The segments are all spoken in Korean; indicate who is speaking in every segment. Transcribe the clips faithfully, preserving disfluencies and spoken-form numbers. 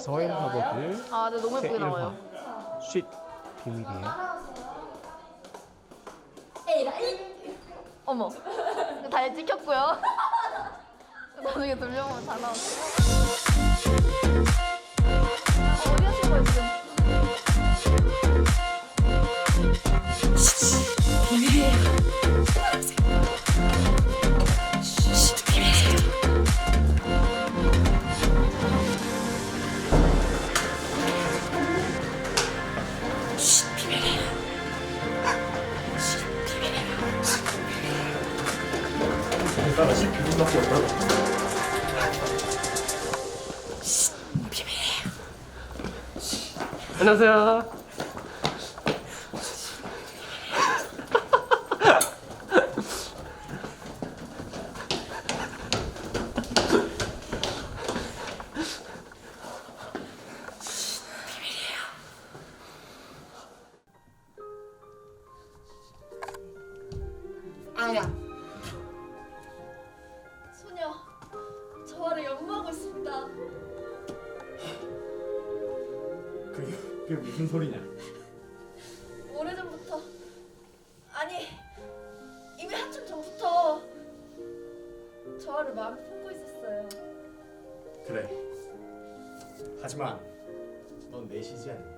Speaker 1: 서인 학업을
Speaker 2: 아, 네, 너무 예쁘게 나와요.
Speaker 1: 쉿 비밀이에요.
Speaker 2: 어머, 다 찍혔고요. 나중에 돌려보면 다 나왔어요. 어, 어디 하신 거예요, 지금?
Speaker 1: 내가 십 비밀밖에 없다고. 안녕하세요.
Speaker 2: 아야. 소녀, 저와를 연모하고 있습니다.
Speaker 1: 그게, 그게 무슨 소리냐?
Speaker 2: 오래전부터, 아니 이미 한참 전부터 저와를 마음에 품고 있었어요.
Speaker 1: 그래. 하지만 넌 내시지 않냐?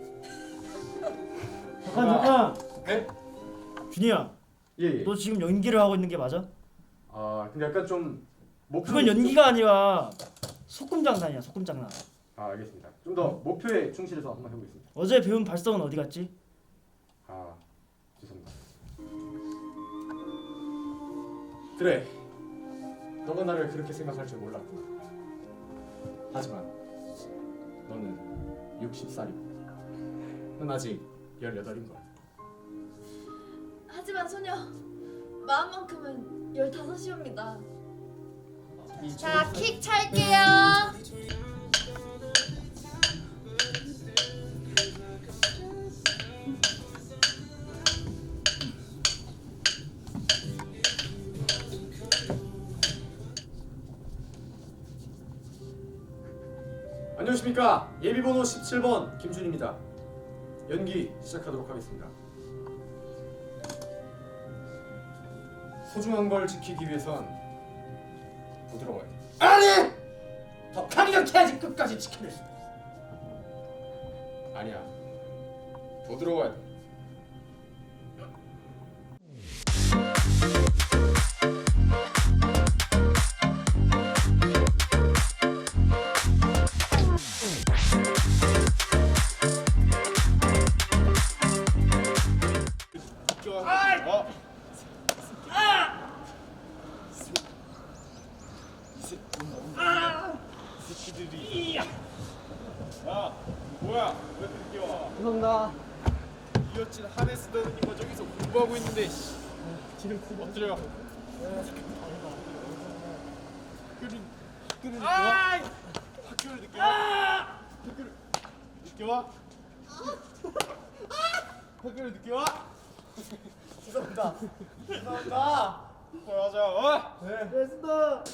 Speaker 3: 잠깐 잠깐.
Speaker 1: 네?
Speaker 3: 준이야,
Speaker 1: 예예.
Speaker 3: 너 지금 연기를 하고 있는 게 맞아?
Speaker 1: 아 근데 약간 좀 목표.
Speaker 3: 그건 연기가 아니라 소꿉장난이야, 소꿉장난.
Speaker 1: 아 알겠습니다. 좀 더 목표에 충실해서 한번 해보겠습니다.
Speaker 3: 어제 배운 발성은 어디 갔지?
Speaker 1: 아 죄송합니다. 그래. 너가 나를 그렇게 생각할 줄 몰랐구나. 하지만 너는 육십 살이고 넌 아직 열여덟인 거야.
Speaker 2: 하지만 소녀, 마음만큼은 열다섯이옵니다. 자, 킥 찰게요.
Speaker 1: 안녕하십니까. 예비번호 십칠 번 김준입니다. 연기 시작하도록 하겠습니다. 소중한 걸 지키기 위해선 부드러워야 돼. 아니! 더 강력해야지 끝까지 지켜낼 수 있어. 아니야. 부드러워야 돼. 어?
Speaker 4: 새끼들이. 야, 뭐야? 왜 늦게 와?
Speaker 3: 죄송합니다.
Speaker 4: 이어진 하네스 더는 이거 저기서 공부하고 있는데. 씨. 지금 공부 엎드려. 학교를 학교를 늦게 와? 학교를 늦게 와? 학교를 늦게 와? 학교를 늦게 와?
Speaker 3: 죄송합니다. 죄송합니다.
Speaker 4: 맞아. 어?
Speaker 3: 네. 됐습니다.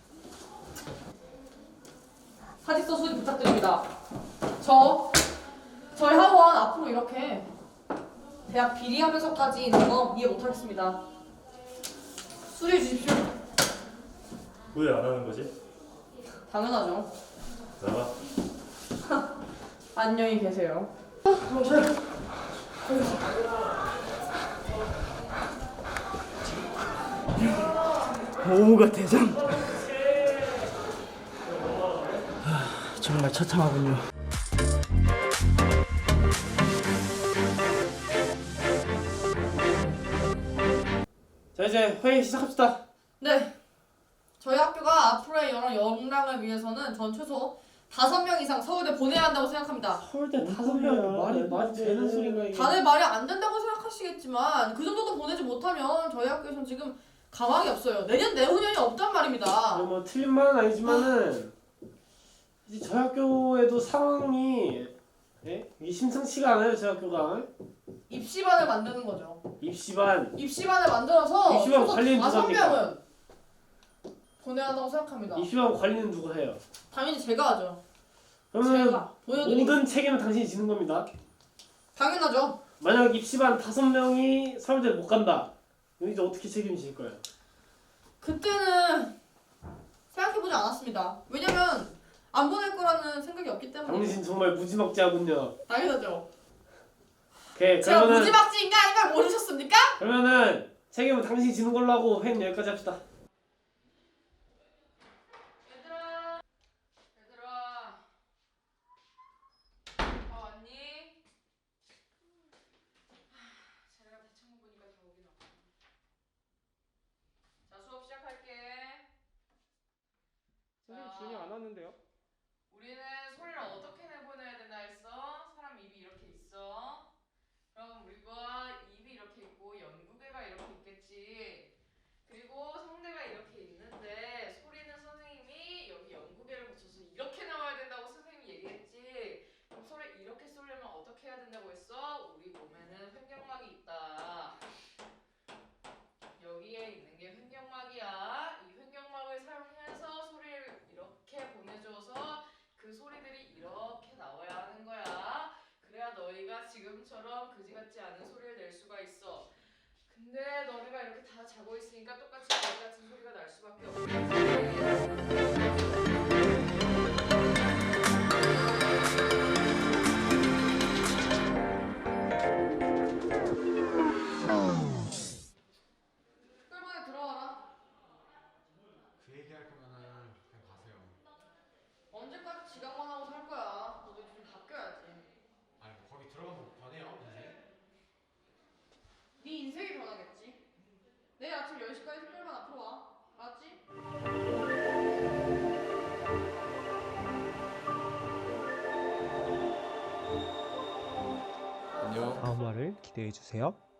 Speaker 5: 사직서 수리 부탁드립니다. 저 저희 학원 앞으로 이렇게 대학 비리하면서까지 있는 거 이해 못하겠습니다. 수리해 주십시오.
Speaker 6: 왜 안 하는 거지?
Speaker 5: 당연하죠.
Speaker 6: 나가.
Speaker 5: 안녕히 계세요.
Speaker 3: 오가 대장. 하, 정말 처참하군요.
Speaker 4: 자 이제 회의 시작합시다.
Speaker 5: 네. 저희 학교가 앞으로의 여러 영랑을 위해서는 전 최소 다섯 명 이상 서울대 보내야 한다고 생각합니다.
Speaker 4: 서울대 다섯 명 말이 말이 되는 소리가 이게.
Speaker 5: 다들 말이 안 된다고 생각하시겠지만 그 정도도 보내지 못하면 저희 학교에서는 지금 가망이 없어요. 내년 내후년이 없단 말입니다.
Speaker 4: 뭐 틀린 말은 아니지만은 이제 저희 학교에도 상황이 예? 이게 심상치가 않아요. 저희 학교가
Speaker 5: 입시반을 만드는 거죠.
Speaker 4: 입시반
Speaker 5: 입시반을 만들어서
Speaker 4: 입시반
Speaker 5: 최소
Speaker 4: 관리는
Speaker 5: 다섯
Speaker 4: 누가 합니까?
Speaker 5: 명은 보내야 한다고 생각합니다.
Speaker 4: 입시반 관리는 누가 해요?
Speaker 5: 당연히 제가 하죠.
Speaker 4: 그러면
Speaker 5: 제가 보여드릴게요.
Speaker 4: 모든 책임은 당신이 지는 겁니다.
Speaker 5: 당연하죠.
Speaker 4: 만약 입시반 다섯 명이 서울대를 못 간다. 그럼 이제 어떻게 책임질 거예요?
Speaker 5: 그때는 생각해보지 않았습니다. 왜냐면 안 보낼 거라는 생각이 없기 때문에.
Speaker 4: 당신 정말 무지막지하군요.
Speaker 5: 당연하죠.
Speaker 4: 오케이,
Speaker 5: 제가
Speaker 4: 그러면은
Speaker 5: 무지막지인가 아닌가 모르셨습니까?
Speaker 4: 그러면은 책임은 당신이 지는 걸로 하고 회의 여기까지 합시다.
Speaker 7: 얘들아, 얘들아, 다 왔니? 하, 쟤네가 대창문 보니까 다 오긴 왔구나. 자, 수업 시작할게.
Speaker 1: 선생님 준이 안 왔는데요?
Speaker 7: 우리는 소리를 어떻게 내보내야 된다 했어? 사람 입이 이렇게 있어. 그럼 우리가 입이 이렇게 있고 연구개가 이렇게 있겠지. 그리고 성대가 이렇게 있는데 소리는 선생님이 여기 연구개를 붙여서 이렇게 나와야 된다고 선생님이 얘기했지. 그럼 소리 이렇게 쏠려면 어떻게 해야 된다고 했어? 우리 몸에는 횡격막이 있다. 여기에 있는 게 횡격막이야. 이 횡격막을 사용해서 소리를 이렇게 보내줘서 그 소리들이 이렇게 나와야 하는 거야. 그래야 너희가 지금처럼 그지 같지 않은 소리를 낼 수가 있어. 근데 너네가 이렇게 다 자고 있으니까 똑같이 그지 같은 소리가 날 수밖에
Speaker 5: 끌번에 들어와라.
Speaker 8: 그 얘기할 거면은 그냥 가세요.
Speaker 5: 언제까지 지각만 하고 살 거야. 너도 좀 바뀌어야지.
Speaker 8: 아니 뭐 거기 들어가면 변해요 인생?
Speaker 5: 네 인생이 변하겠지. 내일 아침 열 시까지 특별반 앞으로 와. 알았지?
Speaker 8: 안녕.
Speaker 9: 다음 화를 기대해 주세요.